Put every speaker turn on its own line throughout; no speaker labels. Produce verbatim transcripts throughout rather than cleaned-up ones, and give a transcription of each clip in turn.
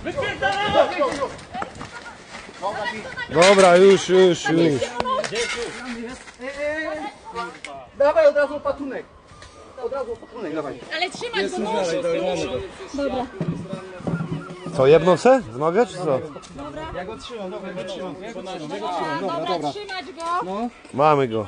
Dobra, już, już, już.
Dawaj od razu opatunek. Od razu opatunek, dawaj.
Ale trzymać go musisz. Dobra.
Co, jedną se? Z nogę, czy co?
Ja go trzymam, dobra, ja go trzymam. Ja go trzymam, ja go
Dobra,
trzymam, dobra,
dobra,
dobra.
trzymać go.
Mamy go.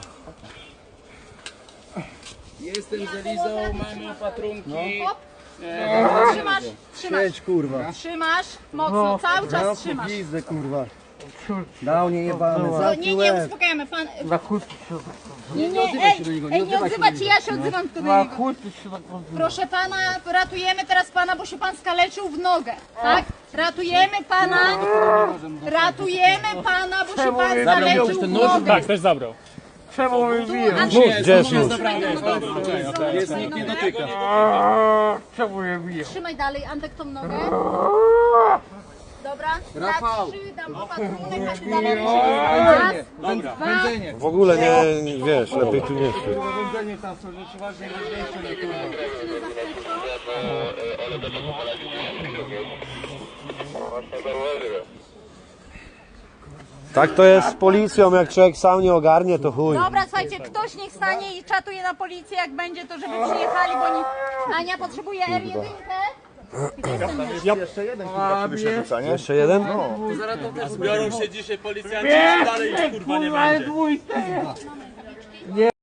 Jestem z Elizą, mamy opatrunki.
Hop. Trzymasz, trzymasz,
Siedź, kurwa.
trzymasz. Mocno, cały czas trzymasz.
Pizdę, kurwa. Dał nie jebane,
No, nie, nie, uspokajamy. Pan... Nie, nie,
odzywaj
ej,
się do niego, nie
ej, nie
odzywaj się
odzywaj
do
się,
niego.
ja się odzywam tylko do niego. Proszę pana, ratujemy teraz pana, bo się pan skaleczył w nogę, tak? Ratujemy pana, ratujemy pana, bo się pan skaleczył w nogę.
Tak, też zabrał.
Nóż, gdzie jest nóż?
Jest, nikt nie dotyka.
Trzymaj dalej, Antek, tą nogę. Dobra,
Rafał.
na trzy dam opatrunek, a ty dalej raz,
Dobra.
dwa,
W ogóle nie, wiesz, lepiej tu nie stój.
Wędzenie tam są rzeczy ważne, ważniejsze, nie kurwa.
Tak to jest z policją, jak człowiek sam nie ogarnie, to chuj.
Dobra, słuchajcie, ktoś niech stanie i czatuje na policję, jak będzie, to żeby przyjechali, bo nie... Ania potrzebuje R jeden.
Jeszcze jeden kurwa przy wyrzucanie.
Jeszcze jeden?
Zbiorą się dzisiaj policjanci i dalej ich kurwa nie będzie.